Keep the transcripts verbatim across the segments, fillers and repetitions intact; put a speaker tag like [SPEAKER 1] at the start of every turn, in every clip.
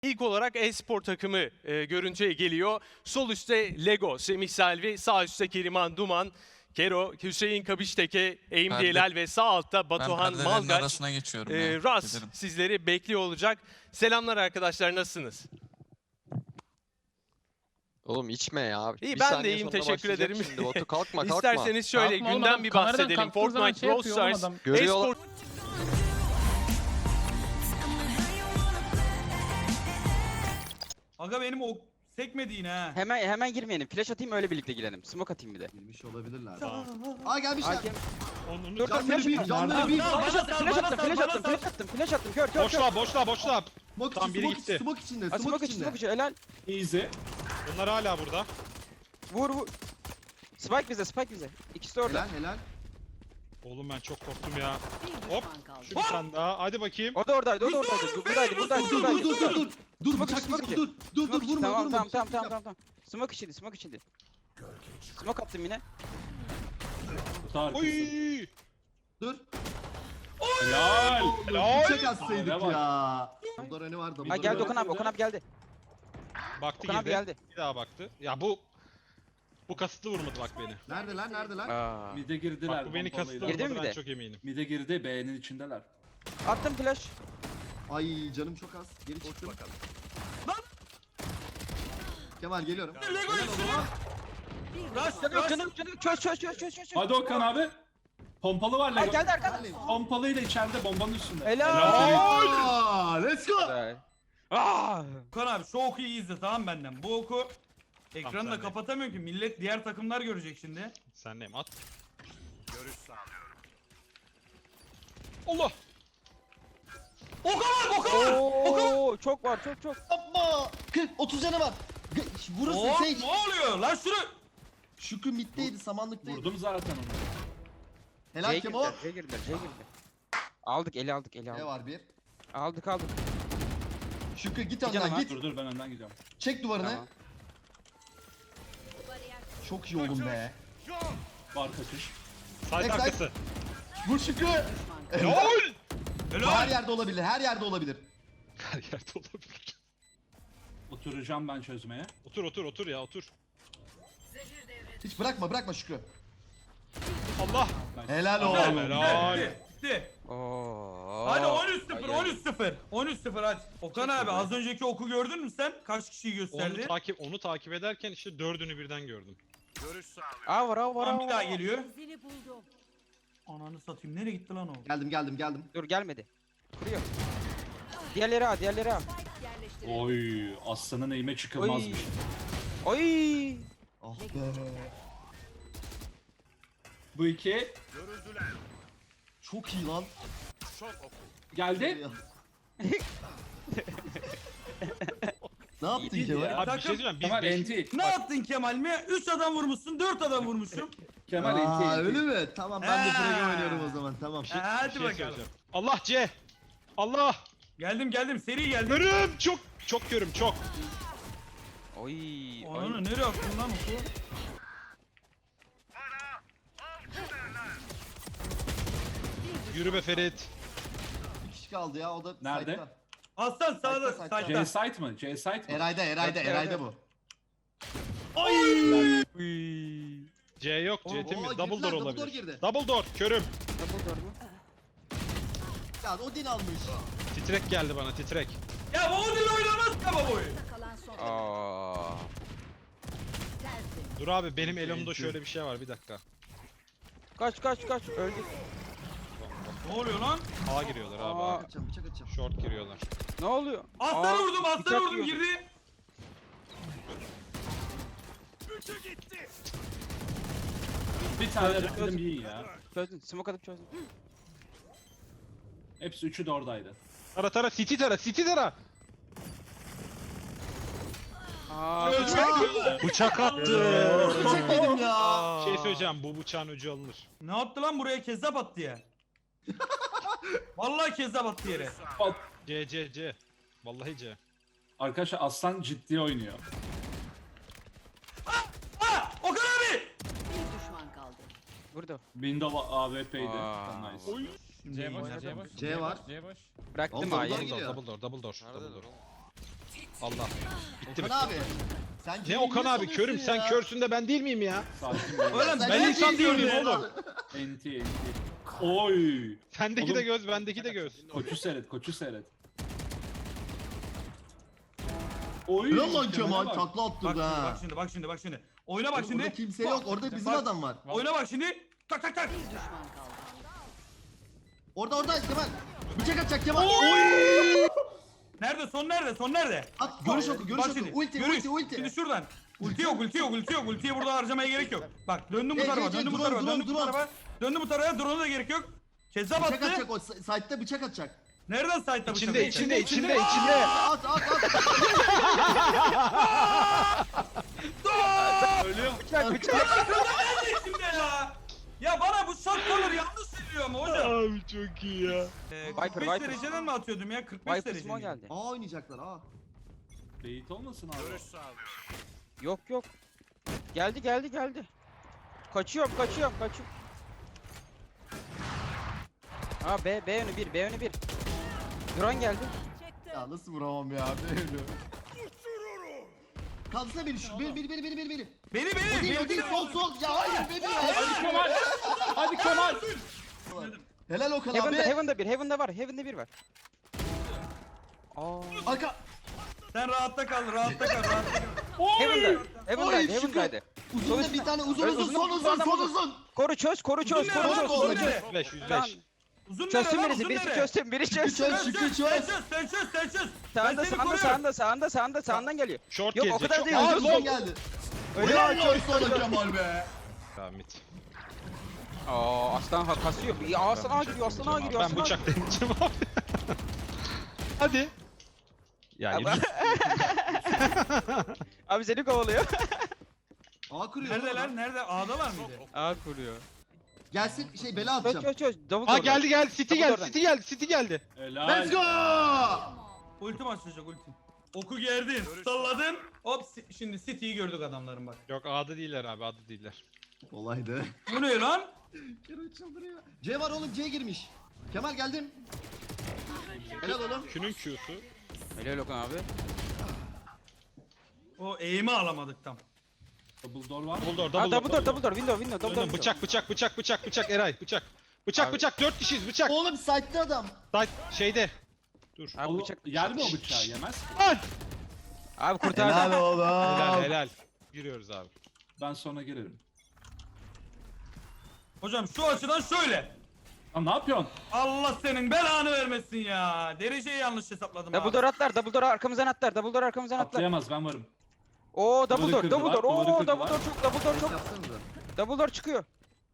[SPEAKER 1] İlk olarak e-spor takımı e, görüntüye geliyor. Sol üstte Lego, Semih Selvi, sağ üstte Keriman Duman, Kero, Hüseyin Kabişteke, Eğim
[SPEAKER 2] Perde-
[SPEAKER 1] Diyelal ve sağ altta
[SPEAKER 2] Ben
[SPEAKER 1] Batuhan
[SPEAKER 2] perdelerin
[SPEAKER 1] Malgaç,
[SPEAKER 2] arasına geçiyorum
[SPEAKER 1] e,
[SPEAKER 2] ya.
[SPEAKER 1] Ras
[SPEAKER 2] Giderim.
[SPEAKER 1] sizleri bekliyor olacak. Selamlar arkadaşlar, nasılsınız?
[SPEAKER 3] Oğlum içme ya.
[SPEAKER 1] İyi,
[SPEAKER 3] Bir
[SPEAKER 1] ben de
[SPEAKER 3] saniye
[SPEAKER 1] iyiyim,
[SPEAKER 3] sonra
[SPEAKER 1] teşekkür
[SPEAKER 3] başlayacak
[SPEAKER 1] ederim.
[SPEAKER 3] Şimdi Batu kalkma kalkma.
[SPEAKER 1] İsterseniz şöyle
[SPEAKER 4] Kalkma oğlum,
[SPEAKER 1] günden
[SPEAKER 4] adam
[SPEAKER 1] bir
[SPEAKER 4] kameradan
[SPEAKER 1] bahsedelim.
[SPEAKER 4] kalktığı zaman
[SPEAKER 1] Fortnite,
[SPEAKER 4] şey
[SPEAKER 1] Brawl
[SPEAKER 4] yapıyor oğlum
[SPEAKER 1] Stars,
[SPEAKER 4] adam.
[SPEAKER 3] Görüyor.
[SPEAKER 1] e-spor...
[SPEAKER 5] Aga benim o sekmedi yine ha.
[SPEAKER 6] Hemen hemen girmeyelim. Flash atayım öyle birlikte girelim. Smoke atayım bir de.
[SPEAKER 7] Girmiş olabilirler. Aa gelmişler.
[SPEAKER 6] Hakem.
[SPEAKER 5] Onunu
[SPEAKER 6] Dur dur
[SPEAKER 7] Canları
[SPEAKER 6] flash
[SPEAKER 7] bir,
[SPEAKER 6] attım.
[SPEAKER 7] canları bir.
[SPEAKER 5] Tamam,
[SPEAKER 6] Flash
[SPEAKER 5] bana
[SPEAKER 6] attım,
[SPEAKER 5] sal,
[SPEAKER 6] flash
[SPEAKER 5] bana
[SPEAKER 6] attım,
[SPEAKER 5] sal,
[SPEAKER 6] flash
[SPEAKER 5] bana
[SPEAKER 6] attım,
[SPEAKER 5] sal.
[SPEAKER 6] flash attım, flash attım. Kör, kör, kör.
[SPEAKER 8] Boşla boşla boşla.
[SPEAKER 7] Smoke
[SPEAKER 8] Tamam,
[SPEAKER 7] içi,
[SPEAKER 8] biri
[SPEAKER 7] smoke
[SPEAKER 8] gitti.
[SPEAKER 7] içi, smoke içinde,
[SPEAKER 6] Ha,
[SPEAKER 7] smoke
[SPEAKER 6] smoke içi,
[SPEAKER 7] içinde.
[SPEAKER 6] smoke içi. Helal.
[SPEAKER 8] Easy. Bunlar hala burada.
[SPEAKER 6] Vur vur. Spike bize, Spike bize. İkisi de orada.
[SPEAKER 7] Helal helal.
[SPEAKER 8] Oğlum ben çok korktum ya. Hop. Şu bir tane daha. Hadi bakayım.
[SPEAKER 6] O da oradaydı, o da oradaydı. Buradaydı, buradaydı,
[SPEAKER 7] Dur dur
[SPEAKER 6] buradaydı.
[SPEAKER 7] dur dur dur. Dur
[SPEAKER 6] Smoke
[SPEAKER 7] bıçak
[SPEAKER 6] içi, smoke
[SPEAKER 7] dur dur. Dur dur
[SPEAKER 6] Smoke içi.
[SPEAKER 7] vurma
[SPEAKER 6] Tamam,
[SPEAKER 7] vurma.
[SPEAKER 6] tamam, tamam,
[SPEAKER 7] bıçak
[SPEAKER 6] tamam,
[SPEAKER 7] yap.
[SPEAKER 6] tamam, tamam. Smoke içiydi, smoke içiydi. Smoke attım yine.
[SPEAKER 8] Oy.
[SPEAKER 7] Dur.
[SPEAKER 8] Helal. Helal.
[SPEAKER 7] Bıçak atsaydık ya. Burada önü vardı.
[SPEAKER 6] Ha geldi Okan abi, Okan abi geldi.
[SPEAKER 8] Baktı
[SPEAKER 6] Okan abi
[SPEAKER 8] girdi.
[SPEAKER 6] geldi.
[SPEAKER 8] Bir daha baktı. Ya bu bu kasıtlı vurmadı bak beni.
[SPEAKER 7] Nerede lan nerede lan?
[SPEAKER 6] Aa.
[SPEAKER 9] Mide girdiler.
[SPEAKER 8] Bak bu beni kasıtlı
[SPEAKER 6] Girdi mi
[SPEAKER 8] vurmadı
[SPEAKER 6] bir
[SPEAKER 8] ben
[SPEAKER 6] de?
[SPEAKER 8] çok eminim.
[SPEAKER 9] Mide girdi, B'nin içindeler.
[SPEAKER 6] Attım flash.
[SPEAKER 7] Ay canım çok az. Geri çıktım. Kemal geliyorum.
[SPEAKER 5] Lego üstüne. Rush,
[SPEAKER 6] Canım,
[SPEAKER 5] rush.
[SPEAKER 6] canım, canım. Çöz, çöz, çöz, çöz, çöz.
[SPEAKER 9] Hadi Okan abi. Pompalı var
[SPEAKER 6] Ay
[SPEAKER 9] Lego.
[SPEAKER 6] geldi arkadan.
[SPEAKER 7] Neredeyim?
[SPEAKER 9] Pompalıyla içeride bombanın üstünde.
[SPEAKER 6] Helal.
[SPEAKER 7] Aa, let's go.
[SPEAKER 6] Güzel. Aa.
[SPEAKER 5] Okan abi şu oku iyi izle tamam benden. Bu oku ekranı
[SPEAKER 8] Tamam,
[SPEAKER 5] da
[SPEAKER 8] sen de.
[SPEAKER 5] kapatamıyorum ki millet diğer takımlar görecek şimdi.
[SPEAKER 8] Sen neyim at. Allah.
[SPEAKER 5] Okan abi Okan abi.
[SPEAKER 6] Oo, çok var, çok çok.
[SPEAKER 7] Yapma. kırk otuz canı var. G- Burası
[SPEAKER 5] Oo,
[SPEAKER 7] şey.
[SPEAKER 5] ne oluyor lan şunu?
[SPEAKER 7] Şükrü middeydi, samanlıktaydı.
[SPEAKER 9] Vurdum zaten onu.
[SPEAKER 7] Helal
[SPEAKER 6] C'ye
[SPEAKER 7] Kemo.
[SPEAKER 6] girdiler, C'ye girdiler, C'ye girdiler. Aldık, eli aldık, eli
[SPEAKER 7] Ne
[SPEAKER 6] aldık.
[SPEAKER 7] var bir?
[SPEAKER 6] Aldık, aldık.
[SPEAKER 7] Şükrü git
[SPEAKER 6] canım
[SPEAKER 7] önden
[SPEAKER 6] var.
[SPEAKER 7] git.
[SPEAKER 9] Dur dur ben önden gidiyorum.
[SPEAKER 7] Çek duvarını.
[SPEAKER 6] Tamam.
[SPEAKER 7] Çok iyi oğlum be.
[SPEAKER 9] Var kaçış.
[SPEAKER 8] Side
[SPEAKER 7] Backside.
[SPEAKER 8] arkası.
[SPEAKER 7] Vur Şükrü.
[SPEAKER 8] Helal.
[SPEAKER 7] Her
[SPEAKER 5] Helal.
[SPEAKER 7] yerde olabilir, her yerde olabilir.
[SPEAKER 8] Her yerde olabilir.
[SPEAKER 9] Oturacağım ben çözmeye.
[SPEAKER 8] Otur otur otur ya otur.
[SPEAKER 7] Hiç bırakma, bırakma Şükrü.
[SPEAKER 8] Allah.
[SPEAKER 7] Helal
[SPEAKER 8] Helal.
[SPEAKER 7] oğlum.
[SPEAKER 8] Helal.
[SPEAKER 5] Bitti. Bitti.
[SPEAKER 6] Oo.
[SPEAKER 5] Hadi on üç sıfır,
[SPEAKER 6] Ay, ay.
[SPEAKER 5] on üç sıfır. on üç sıfır hadi. Okan abi az önceki oku gördün mü sen? Kaç kişiyi gösterdi?
[SPEAKER 8] Onu takip onu takip ederken işte dördünü birden gördüm.
[SPEAKER 6] Aa var, aa var,
[SPEAKER 5] Tamam
[SPEAKER 6] aa
[SPEAKER 5] bir daha
[SPEAKER 6] var.
[SPEAKER 5] geliyor. Ananı satayım nereye gitti lan o?
[SPEAKER 7] Geldim, geldim, geldim.
[SPEAKER 6] Dur gelmedi. Kuruyor. Diğerleri al, diğerleri al.
[SPEAKER 9] Oy, aslanın eğime çıkılmazmış.
[SPEAKER 6] Oy.
[SPEAKER 7] Ah be.
[SPEAKER 9] Bu iki
[SPEAKER 7] Çok iyi lan.
[SPEAKER 9] geldi.
[SPEAKER 7] Ne yaptın
[SPEAKER 9] İyiydi
[SPEAKER 7] Kemal?
[SPEAKER 9] ya.
[SPEAKER 8] Abi bir
[SPEAKER 5] Takım-
[SPEAKER 8] şey diyeceğim. Biz
[SPEAKER 9] Kemal
[SPEAKER 8] beş-
[SPEAKER 9] enti.
[SPEAKER 5] Ne yaptın Kemal mi? üç adam vurmuşsun, dört adam vurmuşum.
[SPEAKER 9] Kemal enti.
[SPEAKER 7] Aa,
[SPEAKER 9] enti.
[SPEAKER 7] öyle mi? Tamam ben de
[SPEAKER 5] Ha.
[SPEAKER 7] Frega oynuyorum o zaman, tamam.
[SPEAKER 5] Ha, hadi
[SPEAKER 8] bir şey
[SPEAKER 5] bakalım.
[SPEAKER 8] söyleyeceğim. Allah C. Allah.
[SPEAKER 5] Geldim geldim seri geldim.
[SPEAKER 8] Görüm çok çok görüm çok.
[SPEAKER 6] Oy.
[SPEAKER 5] Ananı nereye attın lan oku?
[SPEAKER 8] Yürü be Ferit.
[SPEAKER 7] Bir kişi kaldı ya, o da
[SPEAKER 9] Nerede?
[SPEAKER 7] site'da.
[SPEAKER 5] Aslan sağda,
[SPEAKER 7] Sayta, sayta.
[SPEAKER 9] C
[SPEAKER 5] sayda.
[SPEAKER 9] site mı? C site mi?
[SPEAKER 7] Eray'da, Eray'da,
[SPEAKER 6] Evet,
[SPEAKER 7] Eray'da
[SPEAKER 6] evet.
[SPEAKER 7] bu.
[SPEAKER 8] C yok. C
[SPEAKER 7] Oo,
[SPEAKER 8] temiz.
[SPEAKER 7] girdiler,
[SPEAKER 8] Double door
[SPEAKER 7] double
[SPEAKER 8] olabilir.
[SPEAKER 7] door girdi.
[SPEAKER 8] Double door. Körüm.
[SPEAKER 6] Double door mu?
[SPEAKER 7] Ya Odin almış.
[SPEAKER 8] Titrek geldi bana titrek.
[SPEAKER 5] Ya bu Odin oynamaz ki baba boyu.
[SPEAKER 6] Aa.
[SPEAKER 8] Dur abi benim elimde şöyle bir şey var bir dakika.
[SPEAKER 6] Kaç kaç kaç öldük.
[SPEAKER 5] Ne oluyor lan?
[SPEAKER 8] A giriyorlar abi.
[SPEAKER 6] Aa.
[SPEAKER 8] A.
[SPEAKER 7] Atacağım, bıçak atacağım.
[SPEAKER 8] Short giriyorlar.
[SPEAKER 6] Ne oluyor?
[SPEAKER 5] Aslan
[SPEAKER 6] Aa,
[SPEAKER 5] vurdum, aslan
[SPEAKER 6] bıçak
[SPEAKER 5] vurdum
[SPEAKER 6] yiyordu.
[SPEAKER 5] girdi.
[SPEAKER 9] Bir tane rakibim iyi ya.
[SPEAKER 6] Çözdün. Smoke atıp çözdün.
[SPEAKER 9] Hepsi üçü de oradaydı.
[SPEAKER 8] Tara tara city tara city tara.
[SPEAKER 6] Aa.
[SPEAKER 8] Bıçak attı.
[SPEAKER 7] Çekmedim ya.
[SPEAKER 8] Şey söyleyeceğim bu bıçağın ucu alınır.
[SPEAKER 5] Ne yaptı lan buraya kezzap attı ya. Vallahi kezzap attı yere.
[SPEAKER 9] Bak,
[SPEAKER 8] C C C. Vallahi C.
[SPEAKER 9] arkadaşlar aslan ciddi oynuyor.
[SPEAKER 5] Ha! Okan abi!
[SPEAKER 6] Burada.
[SPEAKER 9] Windows A W P'ydi.
[SPEAKER 6] Aa.
[SPEAKER 9] Nice.
[SPEAKER 5] C boş, C boş.
[SPEAKER 7] C var.
[SPEAKER 6] Bıraktım
[SPEAKER 7] Oğlum,
[SPEAKER 6] A'yı.
[SPEAKER 7] double
[SPEAKER 8] Double door
[SPEAKER 7] geliyor.
[SPEAKER 8] double door double door. Double door. Allah. Bitti
[SPEAKER 7] Okan
[SPEAKER 8] mi?
[SPEAKER 7] abi. Sen
[SPEAKER 8] Ne
[SPEAKER 7] C'yi
[SPEAKER 8] Okan
[SPEAKER 7] niye
[SPEAKER 8] abi körüm
[SPEAKER 7] salıyorsun
[SPEAKER 8] sen
[SPEAKER 7] ya?
[SPEAKER 8] körsün de ben değil miyim ya?
[SPEAKER 9] Sakin be.
[SPEAKER 5] Oğlum
[SPEAKER 7] Sen
[SPEAKER 5] ben
[SPEAKER 7] ne
[SPEAKER 5] insan
[SPEAKER 7] diyorsun
[SPEAKER 5] değilim
[SPEAKER 7] ya?
[SPEAKER 5] oğlum.
[SPEAKER 9] Enti enti. Oy.
[SPEAKER 8] Sendeki
[SPEAKER 9] Oğlum-
[SPEAKER 8] de göz bendeki de göz.
[SPEAKER 9] Koçu seyret, koçu seyret. Oy.
[SPEAKER 7] Helal lan
[SPEAKER 9] Kemal'e
[SPEAKER 7] Kemal
[SPEAKER 9] bak.
[SPEAKER 7] takla
[SPEAKER 5] Bak
[SPEAKER 7] attırdı
[SPEAKER 5] şimdi,
[SPEAKER 7] ha.
[SPEAKER 5] bak şimdi, bak şimdi, bak şimdi. Oyna bak
[SPEAKER 7] Oğlum,
[SPEAKER 5] şimdi.
[SPEAKER 7] Orada kimse yok. Orada bizim
[SPEAKER 5] Bak.
[SPEAKER 7] adam var.
[SPEAKER 5] Oyna bak şimdi. Tak tak tak.
[SPEAKER 7] Orada orada Kemal. Bıçak atacak Kemal.
[SPEAKER 5] Nerede? Son nerede? Son nerede?
[SPEAKER 7] At görüş oku görüş
[SPEAKER 5] Bak
[SPEAKER 7] oku.
[SPEAKER 5] şimdi,
[SPEAKER 7] Ulti
[SPEAKER 5] görüş.
[SPEAKER 7] ulti ulti.
[SPEAKER 5] Şimdi şuradan. Ulti yok, ulti yok, ulti yok. Ultiyi burada harcamaya gerek yok. Bak döndüm bu
[SPEAKER 7] Hey,
[SPEAKER 5] tarafa,
[SPEAKER 7] hey, hey,
[SPEAKER 5] döndüm bu
[SPEAKER 7] drone,
[SPEAKER 5] tarafa,
[SPEAKER 7] drone,
[SPEAKER 5] döndüm bu
[SPEAKER 7] drone.
[SPEAKER 5] tarafa. Döndüm bu tarafa, drone'a da gerek yok. Kezzap
[SPEAKER 7] Bıçak
[SPEAKER 5] attı.
[SPEAKER 7] atacak o s- site'de bıçak atacak.
[SPEAKER 5] Nereden site'da bıçak
[SPEAKER 8] İçinde
[SPEAKER 5] atacak?
[SPEAKER 8] içinde içinde içinde.
[SPEAKER 7] At at at.
[SPEAKER 6] Bıçak bıçak.
[SPEAKER 5] Nerede şimdi ya? Ya bana bu shotgunner yanlış veriyor mu hocam?
[SPEAKER 8] Abi çok iyi ya.
[SPEAKER 5] Ee,
[SPEAKER 6] Viper,
[SPEAKER 5] kırk beş
[SPEAKER 6] Viper.
[SPEAKER 5] dereceden mi atıyordum ya? kırk beş
[SPEAKER 6] Viper
[SPEAKER 5] derece.
[SPEAKER 6] Small
[SPEAKER 5] miydi?
[SPEAKER 6] geldi.
[SPEAKER 7] Aa oynayacaklar aa.
[SPEAKER 9] Bait olmasın abi.
[SPEAKER 6] Yok yok. Geldi geldi geldi. Kaçıyorum kaçıyorum kaçıyorum. Aa B B yönü bir B yönü bir. Drone geldi.
[SPEAKER 7] Ya nasıl vuramam ya böyle. Kaldırsana beni şu beni beni beni beni beni beni.
[SPEAKER 5] Beni
[SPEAKER 7] O
[SPEAKER 5] beni
[SPEAKER 7] değil o
[SPEAKER 5] beni
[SPEAKER 7] değil sol sol ya hayır beni ya.
[SPEAKER 9] Hadi Kemal. Hadi Kemal.
[SPEAKER 7] Helal Okan
[SPEAKER 6] Heaven'da
[SPEAKER 7] abi.
[SPEAKER 6] Heaven'da bir Heaven'da var Heaven'da bir var. Aa.
[SPEAKER 7] Arka.
[SPEAKER 5] Sen rahatta kal, rahatta kal, rahatta kal.
[SPEAKER 6] Heaven'da. Heaven'daydı
[SPEAKER 7] Oy,
[SPEAKER 6] Heaven'daydı.
[SPEAKER 7] Uzun da bir tane uzun
[SPEAKER 6] Evet,
[SPEAKER 7] uzun
[SPEAKER 6] uzun,
[SPEAKER 7] son
[SPEAKER 6] uzun,
[SPEAKER 7] uzun
[SPEAKER 6] adam
[SPEAKER 7] son
[SPEAKER 6] uzun.
[SPEAKER 7] uzun.
[SPEAKER 6] Koru çöz koru çöz
[SPEAKER 5] Uzun
[SPEAKER 6] koru
[SPEAKER 5] nere
[SPEAKER 6] çöz.
[SPEAKER 5] lan,
[SPEAKER 7] uzun
[SPEAKER 6] koru çöz.
[SPEAKER 5] nere?
[SPEAKER 8] yüz beş yüz
[SPEAKER 6] Tamam.
[SPEAKER 8] beş.
[SPEAKER 5] Uzun nere
[SPEAKER 6] Çözsün
[SPEAKER 5] lan,
[SPEAKER 6] birisi
[SPEAKER 5] uzun
[SPEAKER 6] birisi
[SPEAKER 5] nere?
[SPEAKER 6] çözsün biri çözsün.
[SPEAKER 7] Çöz
[SPEAKER 5] Sen
[SPEAKER 7] Şükrü
[SPEAKER 5] çöz, sen
[SPEAKER 7] çöz.
[SPEAKER 5] çöz, sen çöz, sen çöz. Ben
[SPEAKER 6] Sağında
[SPEAKER 5] seni
[SPEAKER 6] sağında
[SPEAKER 5] koruyorum.
[SPEAKER 6] sağında sağında sağında sağından geliyor.
[SPEAKER 8] Short
[SPEAKER 6] Yok, o
[SPEAKER 8] gelecek.
[SPEAKER 6] kadar
[SPEAKER 8] short-
[SPEAKER 6] değil,
[SPEAKER 8] Aa,
[SPEAKER 6] uzun.
[SPEAKER 8] long.
[SPEAKER 7] geldi.
[SPEAKER 6] Öyle
[SPEAKER 7] Helal
[SPEAKER 6] ya
[SPEAKER 7] lan sana Kemal be.
[SPEAKER 8] Tamam mid.
[SPEAKER 6] Aa aslan ha kasıyor. Ya aslan ağa giriyor aslan ağa giriyor
[SPEAKER 8] Ben
[SPEAKER 6] aslan ağa
[SPEAKER 8] bıçak deneyeceğim abi. Hadi. Ya
[SPEAKER 6] Ama-
[SPEAKER 8] yürü.
[SPEAKER 6] Abi seni kovalıyor.
[SPEAKER 7] Aa kuruyor.
[SPEAKER 5] Nerede
[SPEAKER 7] oğlum.
[SPEAKER 5] lan, nerede? A'dalar mıydı?
[SPEAKER 6] Ağa kuruyor.
[SPEAKER 7] Gelsin şey bela
[SPEAKER 6] Çöz
[SPEAKER 7] atacağım.
[SPEAKER 6] çöz çöz. Double
[SPEAKER 8] Aa
[SPEAKER 6] door'dan.
[SPEAKER 8] geldi geldi City
[SPEAKER 6] Double
[SPEAKER 8] geldi
[SPEAKER 6] door'dan.
[SPEAKER 8] City geldi City geldi.
[SPEAKER 9] Helal.
[SPEAKER 7] Let's go.
[SPEAKER 5] Ultim açılacak ultim. Oku gerdin, salladın. Hop si- şimdi City'yi gördük adamların bak.
[SPEAKER 8] Yok A'da değiller abi A'da değiller.
[SPEAKER 7] Olaydı.
[SPEAKER 5] Bu ne lan?
[SPEAKER 7] Kemal çıldırıyor. C var oğlum C girmiş. Kemal geldim. Helal oğlum.
[SPEAKER 8] Q'nun Q'su.
[SPEAKER 6] Helal Okan abi.
[SPEAKER 5] O eğimi alamadık tam.
[SPEAKER 9] Double door var.
[SPEAKER 8] Double door
[SPEAKER 6] Aa
[SPEAKER 8] double door.
[SPEAKER 6] double door double door window window double door.
[SPEAKER 8] Döndüm, bıçak bıçak bıçak bıçak bıçak Eray bıçak. Bıçak
[SPEAKER 6] Abi-
[SPEAKER 8] bıçak dört kişiyiz bıçak.
[SPEAKER 7] Oğlum site'de adam.
[SPEAKER 8] Side şeyde. Dur.
[SPEAKER 6] Abi
[SPEAKER 9] Oğlum,
[SPEAKER 6] bıçak.
[SPEAKER 9] yer mi o bıçağı? Yemez.
[SPEAKER 8] Lan!
[SPEAKER 6] Abi kurtardı.
[SPEAKER 7] oğlum.
[SPEAKER 8] Helal helal. Giriyoruz abi.
[SPEAKER 9] Ben sonra girerim.
[SPEAKER 5] Hocam şu açıdan şöyle.
[SPEAKER 9] Lan ne yapıyorsun?
[SPEAKER 5] Allah senin belanı vermesin ya. Dereceyi yanlış hesapladım
[SPEAKER 6] Double
[SPEAKER 5] abi.
[SPEAKER 6] door atlar double door arkamızdan atlar double door arkamızdan atlar.
[SPEAKER 9] Atlayamaz ben varım.
[SPEAKER 6] Oo double
[SPEAKER 9] Duvarı
[SPEAKER 6] door
[SPEAKER 9] kırdılar,
[SPEAKER 6] double door.
[SPEAKER 9] duvarı
[SPEAKER 6] Oo
[SPEAKER 9] kırdılar.
[SPEAKER 6] double door çok double door çok.
[SPEAKER 7] Yapsanıza.
[SPEAKER 6] Double door çıkıyor.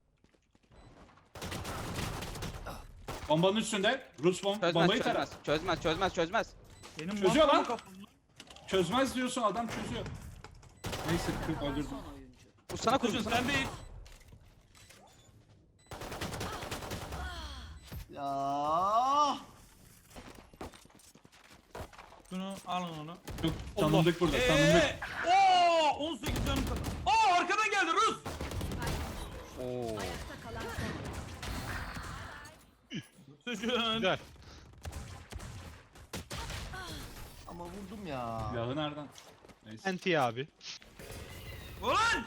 [SPEAKER 9] Bombanın üstünde. Rus bom
[SPEAKER 6] Çözmez
[SPEAKER 9] bombayı tara.
[SPEAKER 6] çözmez. Çözmez çözmez çözmez.
[SPEAKER 5] Benim
[SPEAKER 9] Çözüyor
[SPEAKER 5] mantıklı
[SPEAKER 9] lan.
[SPEAKER 5] kafam-
[SPEAKER 9] Çözmez diyorsun adam çözüyor. Neyse kırk öldürdüm.
[SPEAKER 6] Bu sana kurdu
[SPEAKER 5] Hocam
[SPEAKER 6] sana.
[SPEAKER 5] sen değil.
[SPEAKER 7] Ya.
[SPEAKER 5] Şunu alın onu.
[SPEAKER 9] Çok tanındık burada tanındık.
[SPEAKER 5] Eee. Oo, on sekiz canım kaldı. Aa arkadan geldi Rus.
[SPEAKER 6] Oo.
[SPEAKER 5] Suçun.
[SPEAKER 8] Güzel.
[SPEAKER 7] Ama vurdum ya.
[SPEAKER 9] Silahı nereden? Neyse.
[SPEAKER 8] Anti abi.
[SPEAKER 5] Ulan.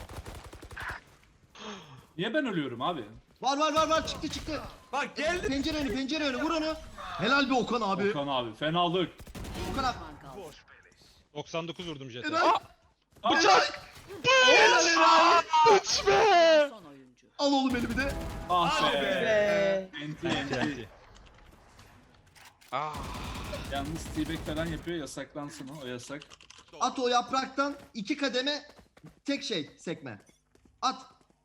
[SPEAKER 9] Niye ben ölüyorum abi?
[SPEAKER 7] Var var var var çıktı çıktı.
[SPEAKER 5] Bak geldi.
[SPEAKER 7] Pencere önü pencere önü vur onu. Helal be Okan abi.
[SPEAKER 9] Okan abi fenalık.
[SPEAKER 7] Okan abi.
[SPEAKER 8] doksan dokuz vurdum jete.
[SPEAKER 7] Helal.
[SPEAKER 9] Bıçak!
[SPEAKER 7] Helal helal.
[SPEAKER 8] Üç be!
[SPEAKER 7] Al oğlum beni bir de.
[SPEAKER 9] Ah
[SPEAKER 5] Hadi
[SPEAKER 9] be.
[SPEAKER 5] be.
[SPEAKER 9] Enti
[SPEAKER 8] Anti
[SPEAKER 9] enti.
[SPEAKER 8] anti.
[SPEAKER 6] Ah.
[SPEAKER 9] Yalnız T-Bag falan yapıyor yasaklansın o, o yasak.
[SPEAKER 7] At o yapraktan iki kademe tek şey sekme. At.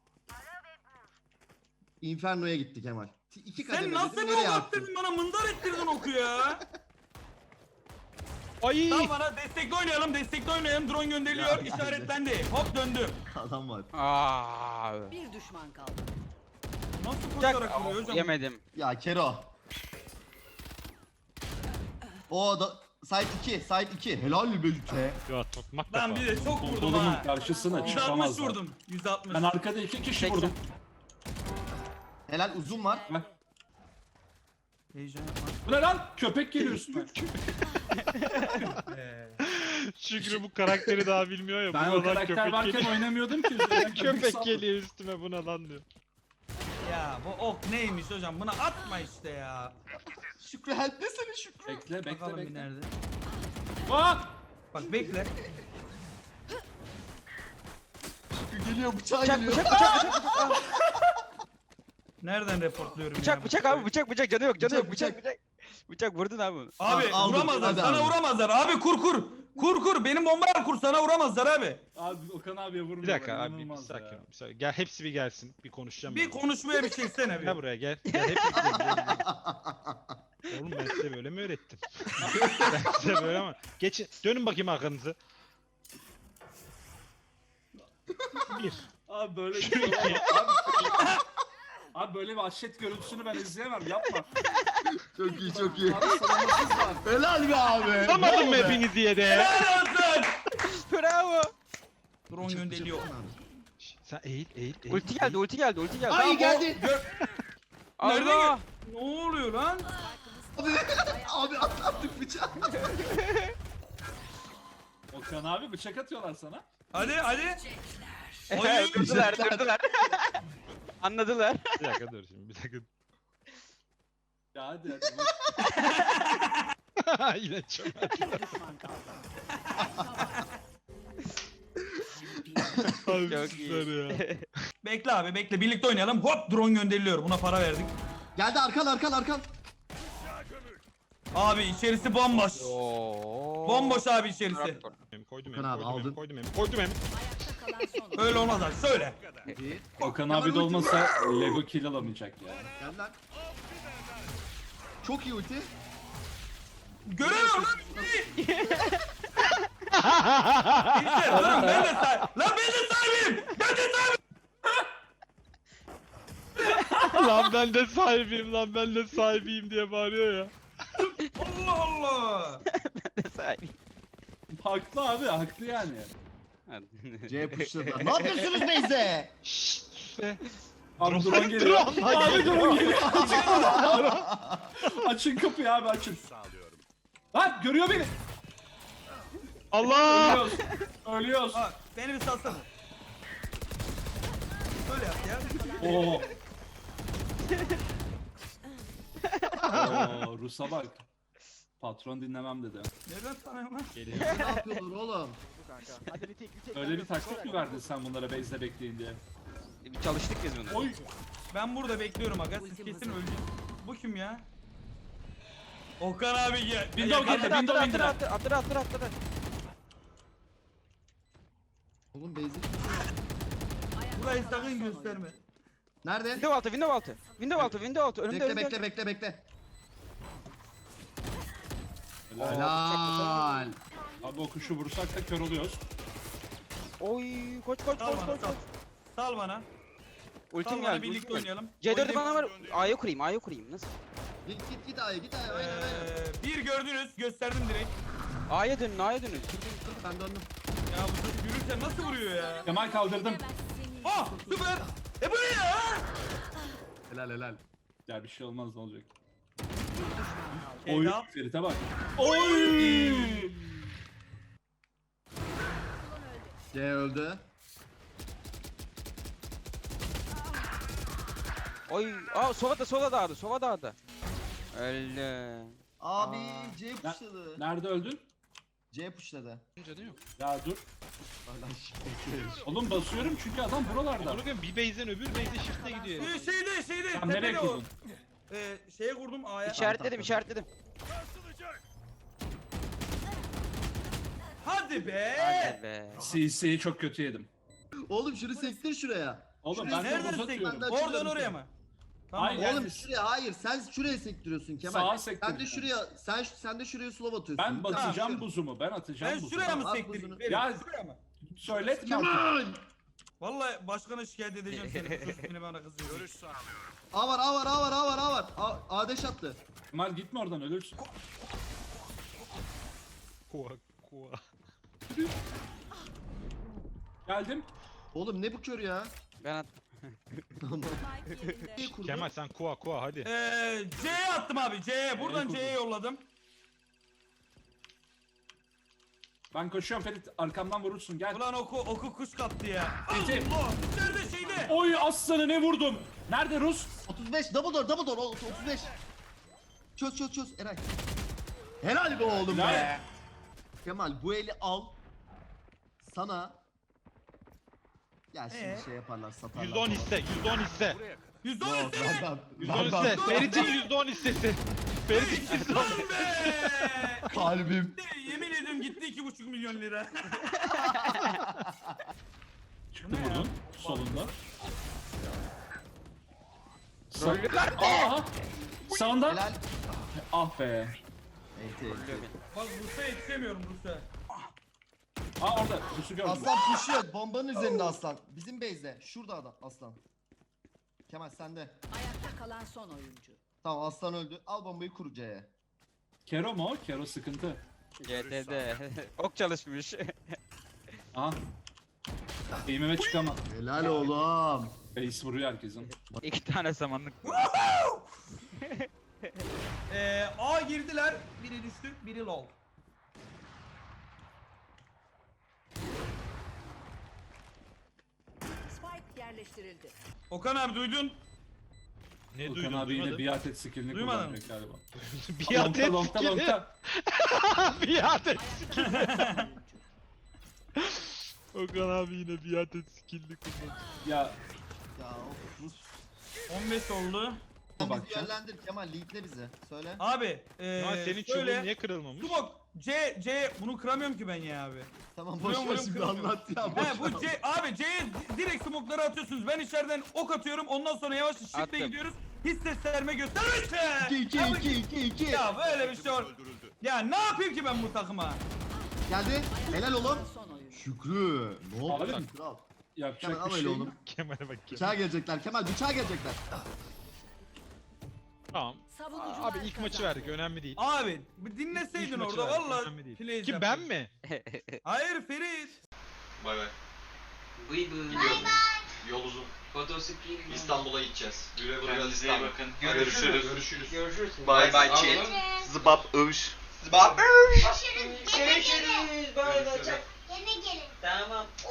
[SPEAKER 7] Inferno'ya gitti Kemal. İki kademe
[SPEAKER 5] Sen nasıl
[SPEAKER 7] dedim,
[SPEAKER 5] bir
[SPEAKER 7] nereye
[SPEAKER 5] ok
[SPEAKER 7] attın?
[SPEAKER 5] attırdın bana mındar ettirdin oku ya.
[SPEAKER 8] Ay!
[SPEAKER 5] Tamam bana destekli oynayalım destekli oynayalım drone gönderiliyor
[SPEAKER 7] Ya,
[SPEAKER 5] işaretlendi. Hop döndüm.
[SPEAKER 7] Adam var.
[SPEAKER 6] Aa.
[SPEAKER 2] Bir düşman kaldı.
[SPEAKER 5] Nasıl
[SPEAKER 6] Bıçak.
[SPEAKER 5] koşarak vuruyor hocam?
[SPEAKER 6] Yemedim.
[SPEAKER 7] Ya Kero. O da side iki, side iki. Helal be Yüce.
[SPEAKER 8] Ya tokmak
[SPEAKER 5] Ben
[SPEAKER 8] kafa.
[SPEAKER 5] bir de çok vurdum
[SPEAKER 9] Pompolumun
[SPEAKER 5] ha.
[SPEAKER 9] karşısına
[SPEAKER 5] yüz altmış
[SPEAKER 9] çıkamazlar.
[SPEAKER 5] vurdum. yüz altmış.
[SPEAKER 9] Ben arkada iki kişi
[SPEAKER 6] seksen.
[SPEAKER 9] vurdum.
[SPEAKER 7] Helal uzun var.
[SPEAKER 9] Bak.
[SPEAKER 5] Heyecan yapma.
[SPEAKER 9] Bu ne lan? Köpek geliyor üstüme.
[SPEAKER 5] Ee,
[SPEAKER 8] Şükrü bu karakteri daha bilmiyor ya.
[SPEAKER 9] Ben
[SPEAKER 8] buna
[SPEAKER 9] o
[SPEAKER 8] lan
[SPEAKER 9] karakter
[SPEAKER 8] köpek
[SPEAKER 9] varken
[SPEAKER 8] geliyor.
[SPEAKER 9] oynamıyordum ki. üzerinden
[SPEAKER 8] Köpek
[SPEAKER 9] saldım.
[SPEAKER 8] geliyor üstüme buna lan diyor.
[SPEAKER 5] Ya bu ok neymiş hocam? Bunu atma işte ya.
[SPEAKER 7] Şükrü help desene Şükrü.
[SPEAKER 9] Bekle bekle
[SPEAKER 5] Bakalım bir
[SPEAKER 9] bekle.
[SPEAKER 5] nerede?
[SPEAKER 9] Bak!
[SPEAKER 5] Bak bekle.
[SPEAKER 7] Şükrü geliyor bıçağı
[SPEAKER 6] Bıçak
[SPEAKER 7] geliyor.
[SPEAKER 6] bıçak bıçak bıçak. Ah,
[SPEAKER 5] Nereden reportluyorum ya?
[SPEAKER 6] Bıçak bıçak abi bıçak bıçak canı yok canı
[SPEAKER 7] Bıçak,
[SPEAKER 6] yok bıçak
[SPEAKER 7] bıçak.
[SPEAKER 6] bıçak. Bıçak vurdun abi onu.
[SPEAKER 5] Abi
[SPEAKER 7] Al- aldım.
[SPEAKER 5] vuramazlar.
[SPEAKER 7] Hadi
[SPEAKER 5] Sana
[SPEAKER 7] abi.
[SPEAKER 5] vuramazlar. Abi kur kur. Kur kur. Benim bombayla kur. Sana vuramazlar abi.
[SPEAKER 9] Abi Okan abiye vurmuyor.
[SPEAKER 8] Bir dakika abi bir
[SPEAKER 9] inanılmaz
[SPEAKER 8] sakin
[SPEAKER 9] ya.
[SPEAKER 8] ol. bir sakin. Gel hepsi bir gelsin. Bir konuşacağım.
[SPEAKER 5] Bir
[SPEAKER 8] ben.
[SPEAKER 5] konuşmaya bir çeksene
[SPEAKER 8] Gel
[SPEAKER 5] bir.
[SPEAKER 8] buraya gel. Gel hepsi gel, gel, gel. Oğlum ben size böyle mi öğrettim? ben size böyle mi? Geçin. Dönün bakayım arkanızı. Bir.
[SPEAKER 9] Abi böyle bir şey olamaz. Abi, abi böyle bir aşet görüntüsünü ben izleyemem yapma.
[SPEAKER 7] Çok iyi çok iyi.
[SPEAKER 9] Abi savunmasız var.
[SPEAKER 7] Helal be abi.
[SPEAKER 8] Tutamadım mı
[SPEAKER 7] Bravo be.
[SPEAKER 8] hepinizi diye de.
[SPEAKER 5] Helal olsun.
[SPEAKER 6] Bravo.
[SPEAKER 5] Drone gönderiyor.
[SPEAKER 8] Şş, Sen eğil eğil eğil.
[SPEAKER 6] Ulti geldi ulti geldi ulti geldi.
[SPEAKER 7] Ay geldi.
[SPEAKER 5] Nerede
[SPEAKER 6] Allah.
[SPEAKER 5] Ne oluyor lan?
[SPEAKER 7] Abi, abi at, attık bıçağı.
[SPEAKER 9] Okan abi bıçak atıyorlar sana.
[SPEAKER 5] Hadi hadi.
[SPEAKER 6] Ehe, durdular durdular. Anladılar.
[SPEAKER 8] Bir dakika dur şimdi bir dakika.
[SPEAKER 9] Ya hadi hadi.
[SPEAKER 8] Yine çok. Abi
[SPEAKER 6] Çok
[SPEAKER 8] süper
[SPEAKER 6] iyi.
[SPEAKER 8] ya.
[SPEAKER 5] Bekle abi bekle. Birlikte oynayalım. Hop drone gönderiliyor. Buna para verdik.
[SPEAKER 7] Geldi arkan arkan arkan.
[SPEAKER 5] Abi içerisi bomboş.
[SPEAKER 6] Oo.
[SPEAKER 5] Bomboş abi içerisi.
[SPEAKER 8] Em, Koydum
[SPEAKER 7] Okan
[SPEAKER 8] em,
[SPEAKER 7] abi,
[SPEAKER 8] koydum em,
[SPEAKER 7] aldın.
[SPEAKER 8] koydum em, koydum em.
[SPEAKER 5] Öyle olmaz abi. Söyle.
[SPEAKER 7] Bir.
[SPEAKER 9] Okan
[SPEAKER 7] Kemal
[SPEAKER 9] abi de
[SPEAKER 7] ulti.
[SPEAKER 9] olmasa Lego kill alamayacak ya.
[SPEAKER 7] Gel lan. Çok iyi ulti.
[SPEAKER 5] Görüyorum lan. İşte durun ben de sahip. Lan ben de sahibim. Ben de sahibim.
[SPEAKER 8] Lan ben de sahibiyim lan ben de sahibiyim diye bağırıyor ya.
[SPEAKER 5] Allah Allah.
[SPEAKER 6] Sahibi.
[SPEAKER 9] Haklı abi haklı yani.
[SPEAKER 7] C pushladılar. Ne yapıyorsunuz Beyze?
[SPEAKER 8] Şşş sus be.
[SPEAKER 9] Abi drone geliyor.
[SPEAKER 8] Drone
[SPEAKER 9] Abi drone geliyor. Açın kapıyı abi açın. Lan görüyor beni.
[SPEAKER 8] Allah!
[SPEAKER 9] Ölüyoruz. Ölüyoruz.
[SPEAKER 5] Bak beni bir salsana. Böyle yap ya.
[SPEAKER 9] Oo. Oo Rus'a bak. Patron dinlemem dedi.
[SPEAKER 5] Nereden tanıyorum lan?
[SPEAKER 7] Ne yapıyorlar oğlum?
[SPEAKER 9] Öyle bir taktik mi verdin sen bunlara base'de bekleyin diye?
[SPEAKER 6] Bir çalıştık biz bunu.
[SPEAKER 9] Oy.
[SPEAKER 5] Ben burada bekliyorum aga. Siz kesin öldünüz. Bu kim ya? Okan abi gel.
[SPEAKER 9] Window
[SPEAKER 5] Ya,
[SPEAKER 9] geldi,
[SPEAKER 6] Attır attır
[SPEAKER 9] window
[SPEAKER 6] attır
[SPEAKER 9] indiler.
[SPEAKER 6] attır attır attır attır.
[SPEAKER 7] Oğlum Beyze.
[SPEAKER 5] Burayı sakın gösterme.
[SPEAKER 7] Nerede?
[SPEAKER 6] Window altı window altı. Window altı window altı. Önümde
[SPEAKER 7] Bekle
[SPEAKER 6] önümde.
[SPEAKER 7] bekle bekle bekle.
[SPEAKER 9] Helal.
[SPEAKER 7] Helal.
[SPEAKER 9] Abi o kuşu vursak da kör oluyoruz.
[SPEAKER 6] Oy koç koç
[SPEAKER 5] Sal
[SPEAKER 6] koç
[SPEAKER 5] bana
[SPEAKER 6] koç.
[SPEAKER 5] sal.
[SPEAKER 6] koç.
[SPEAKER 5] Sal bana.
[SPEAKER 6] Ultim
[SPEAKER 5] Sal bana
[SPEAKER 6] geldi.
[SPEAKER 5] birlikte
[SPEAKER 6] ultim geldi.
[SPEAKER 5] oynayalım.
[SPEAKER 6] C dört'ü
[SPEAKER 5] Oynayayım.
[SPEAKER 6] bana var. A'ya kurayım A'ya kurayım. Nasıl?
[SPEAKER 7] Git git git A'ya git A'ya. Aynen aynen.
[SPEAKER 5] Ee, bir gördünüz. Gösterdim direkt.
[SPEAKER 6] A'ya dönün A'ya dönün.
[SPEAKER 7] Ben döndüm.
[SPEAKER 5] Ya bu çocuk yürürken nasıl vuruyor ya?
[SPEAKER 9] Kemal kaldırdım.
[SPEAKER 5] Ah süper. E bu ne ya?
[SPEAKER 7] Helal helal.
[SPEAKER 9] Ya bir şey olmaz ne olacak?
[SPEAKER 5] Şey,
[SPEAKER 9] Oy
[SPEAKER 5] yap.
[SPEAKER 9] Ferit'e bak.
[SPEAKER 7] C öldü.
[SPEAKER 6] Oy. Aa sola da sola dağdı sola dağdı. Öldü.
[SPEAKER 7] Abi
[SPEAKER 6] Aa.
[SPEAKER 7] C pushladı.
[SPEAKER 9] Nerede öldün?
[SPEAKER 7] C pushladı.
[SPEAKER 9] Ya dur.
[SPEAKER 7] Hala şifre.
[SPEAKER 9] Oğlum basıyorum çünkü adam buralarda.
[SPEAKER 8] Bunu bir base'den öbür base'e shift'e gidiyor.
[SPEAKER 5] Ee, şeyde şeyde.
[SPEAKER 9] Sen nereye
[SPEAKER 5] tepede o.
[SPEAKER 9] kurdun?
[SPEAKER 5] Ee, şeye kurdum A'ya.
[SPEAKER 6] İşaretledim işaretledim.
[SPEAKER 5] Hadi be.
[SPEAKER 6] Hadi be.
[SPEAKER 9] C C'yi çok kötü yedim.
[SPEAKER 7] Oğlum şunu sektir şuraya.
[SPEAKER 9] Oğlum
[SPEAKER 7] Şurayı
[SPEAKER 9] ben de
[SPEAKER 5] Nereden
[SPEAKER 9] boz
[SPEAKER 5] sektin?
[SPEAKER 9] atıyorum.
[SPEAKER 7] Ben de
[SPEAKER 5] Oradan
[SPEAKER 7] açıyorum
[SPEAKER 5] oraya
[SPEAKER 7] seni.
[SPEAKER 5] mı? Tamam.
[SPEAKER 9] Hayır.
[SPEAKER 7] Oğlum
[SPEAKER 9] Yani-
[SPEAKER 7] şuraya hayır sen şuraya sektiriyorsun Kemal.
[SPEAKER 9] Sağa
[SPEAKER 7] Sen de
[SPEAKER 9] sektirdim.
[SPEAKER 7] şuraya sen sen de şuraya slow atıyorsun.
[SPEAKER 9] Ben batacağım
[SPEAKER 7] Tamam.
[SPEAKER 9] buzumu. Ben atacağım
[SPEAKER 5] Ben
[SPEAKER 9] buzumu.
[SPEAKER 5] şuraya mı
[SPEAKER 7] Al
[SPEAKER 5] sektireyim?
[SPEAKER 7] buzunu.
[SPEAKER 5] Verin,
[SPEAKER 9] Ya-
[SPEAKER 5] şuraya mı?
[SPEAKER 9] Söyletme artık.
[SPEAKER 7] Kemal!
[SPEAKER 5] Vallahi başkana şikayet edeceğim seni. Bu çocuk yine bana kızıyor.
[SPEAKER 7] A var A var A var A var A var. A, A deş attı.
[SPEAKER 9] Kemal gitme oradan ölürsün.
[SPEAKER 8] Kua kua.
[SPEAKER 9] Geldim.
[SPEAKER 7] Oğlum ne bu kör ya?
[SPEAKER 6] Ben attım.
[SPEAKER 7] Niye kurdu?
[SPEAKER 8] Kemal sen kua kua hadi.
[SPEAKER 5] Ee, C'ye attım abi. C'ye. Buradan
[SPEAKER 9] kurdun?
[SPEAKER 5] C'ye yolladım.
[SPEAKER 9] Ben koşuyorum Ferit arkamdan vurursun gel.
[SPEAKER 5] Ulan oku oku kuş kaptı ya.
[SPEAKER 9] Ferit.
[SPEAKER 5] Allah! Nerede şeyde?
[SPEAKER 9] Oy aslanı ne vurdum? Nerede Rus?
[SPEAKER 7] otuz beş double door double door o- otuz beş. Çöz çöz çöz Eray. Helal be oğlum
[SPEAKER 9] Helal.
[SPEAKER 7] be. Kemal bu eli al. Sana. Ya şimdi
[SPEAKER 5] Ee?
[SPEAKER 7] şey yaparlar satarlar.
[SPEAKER 8] yüzde on
[SPEAKER 7] falan.
[SPEAKER 8] hisse, yüzde on hisse.
[SPEAKER 5] yüzde on
[SPEAKER 7] Yok,
[SPEAKER 5] üstüne.
[SPEAKER 7] lan,
[SPEAKER 8] yüzde
[SPEAKER 7] lan,
[SPEAKER 8] on
[SPEAKER 7] lan,
[SPEAKER 8] hisse.
[SPEAKER 7] lan.
[SPEAKER 8] Ferit'in yüzde on hissesi. Ferit'in yüzde on.
[SPEAKER 5] Lan be!
[SPEAKER 7] Kalbim.
[SPEAKER 5] Yemin ediyorum gitti iki buçuk milyon lira.
[SPEAKER 9] Çıktı vurdun solunda. Sa Aha! Sağında.
[SPEAKER 7] Helal.
[SPEAKER 9] Ah be.
[SPEAKER 7] Enti, enti.
[SPEAKER 5] Bak Rus'a yetişemiyorum Rus'a.
[SPEAKER 9] Aa orada Rus'u gördüm.
[SPEAKER 7] Aslan pushuyor. Bombanın üzerinde aslan. Bizim base'de. Şurada adam aslan. Kemal sende.
[SPEAKER 2] Ayakta kalan son oyuncu.
[SPEAKER 7] Tamam aslan öldü. Al bombayı kur C'ye.
[SPEAKER 9] Kero mu? o? Kero sıkıntı.
[SPEAKER 6] G T'de. Ok çalışmış.
[SPEAKER 9] Aha. Eğimime çıkamam.
[SPEAKER 7] Helal oğlum.
[SPEAKER 9] Base vuruyor herkesin.
[SPEAKER 6] İki tane samanlık.
[SPEAKER 5] Ee, A girdiler. Biri düştü, biri lol.
[SPEAKER 2] Spike yerleştirildi.
[SPEAKER 5] Okan abi duydun.
[SPEAKER 8] Ne
[SPEAKER 9] Okan
[SPEAKER 8] duydun?
[SPEAKER 9] abi yine
[SPEAKER 8] Duymadım.
[SPEAKER 9] biat et skillini
[SPEAKER 5] Duymadın
[SPEAKER 9] kullanacak galiba.
[SPEAKER 8] Biat et
[SPEAKER 9] Lonka, lonka,
[SPEAKER 8] skill'i.
[SPEAKER 9] lonka.
[SPEAKER 8] Biat et.
[SPEAKER 2] Ayakta kalan son oyuncu.
[SPEAKER 8] Okan abi yine biat et skill'ini kullanıyor.
[SPEAKER 9] Ya
[SPEAKER 7] Ya of Rus.
[SPEAKER 5] on beş oldu.
[SPEAKER 7] Sen bizi
[SPEAKER 9] bakacağım.
[SPEAKER 7] yönlendir Kemal leadle bizi. Söyle.
[SPEAKER 5] Abi, ee,
[SPEAKER 8] Ya senin çubuğun
[SPEAKER 5] şöyle.
[SPEAKER 8] niye kırılmamış?
[SPEAKER 5] Smoke, C, C, bunu kıramıyorum ki ben ya abi.
[SPEAKER 7] Tamam boş
[SPEAKER 5] Vuruyorum,
[SPEAKER 7] ver
[SPEAKER 5] vuruyorum,
[SPEAKER 7] şimdi
[SPEAKER 5] kıramıyorum.
[SPEAKER 7] anlat ya. Boş
[SPEAKER 5] He bu
[SPEAKER 7] ver.
[SPEAKER 5] C, abi C'ye direkt smoke'ları atıyorsunuz. Ben içeriden ok atıyorum. Ondan sonra yavaş shift'le
[SPEAKER 6] Attım.
[SPEAKER 5] gidiyoruz. Hiç seslenme gösterme.
[SPEAKER 7] iki iki iki iki iki.
[SPEAKER 5] Ya böyle bir şey var. Ya ne yapayım ki ben bu takıma?
[SPEAKER 7] Geldi. Helal oğlum.
[SPEAKER 2] Son oyuncu.
[SPEAKER 7] Şükrü. Ne oldu
[SPEAKER 9] Abi
[SPEAKER 7] lan
[SPEAKER 9] mi?
[SPEAKER 7] kral?
[SPEAKER 9] yapacak
[SPEAKER 7] Kemal al
[SPEAKER 9] bir
[SPEAKER 7] öyle
[SPEAKER 9] şey
[SPEAKER 7] oğlum.
[SPEAKER 9] yok.
[SPEAKER 8] Kemal'e bak Kemal.
[SPEAKER 7] Bıçağa gelecekler. Kemal bıçağa gelecekler.
[SPEAKER 8] Tamam.
[SPEAKER 2] Savunucular
[SPEAKER 8] Abi ilk maçı
[SPEAKER 2] kazandı.
[SPEAKER 8] verdik önemli değil.
[SPEAKER 5] Abi bir dinleseydin
[SPEAKER 8] İlk maçı
[SPEAKER 5] orada
[SPEAKER 8] verdik,
[SPEAKER 5] valla
[SPEAKER 8] önemli değil.
[SPEAKER 5] plays
[SPEAKER 8] Kim ben
[SPEAKER 5] yapardım.
[SPEAKER 8] mi?
[SPEAKER 5] Hayır Ferit.
[SPEAKER 4] Bay bay.
[SPEAKER 10] Bıy bıy.
[SPEAKER 4] Gidiyorum. Yol uzun.
[SPEAKER 10] Fotosikli.
[SPEAKER 4] İstanbul'a gideceğiz. Güle güle
[SPEAKER 10] Kendinize iyi
[SPEAKER 4] İstanbul.
[SPEAKER 10] bakın.
[SPEAKER 4] Görüşürüz.
[SPEAKER 10] Görüşürüz. Görüşürüz.
[SPEAKER 4] Bay bay
[SPEAKER 10] Anladın
[SPEAKER 4] chat.
[SPEAKER 10] mı?
[SPEAKER 4] Zıbap övüş.
[SPEAKER 10] Zıbap.
[SPEAKER 4] Görüşürüz.
[SPEAKER 10] Görüşürüz. Bay bay.
[SPEAKER 4] Görüşürüz.
[SPEAKER 10] Tamam.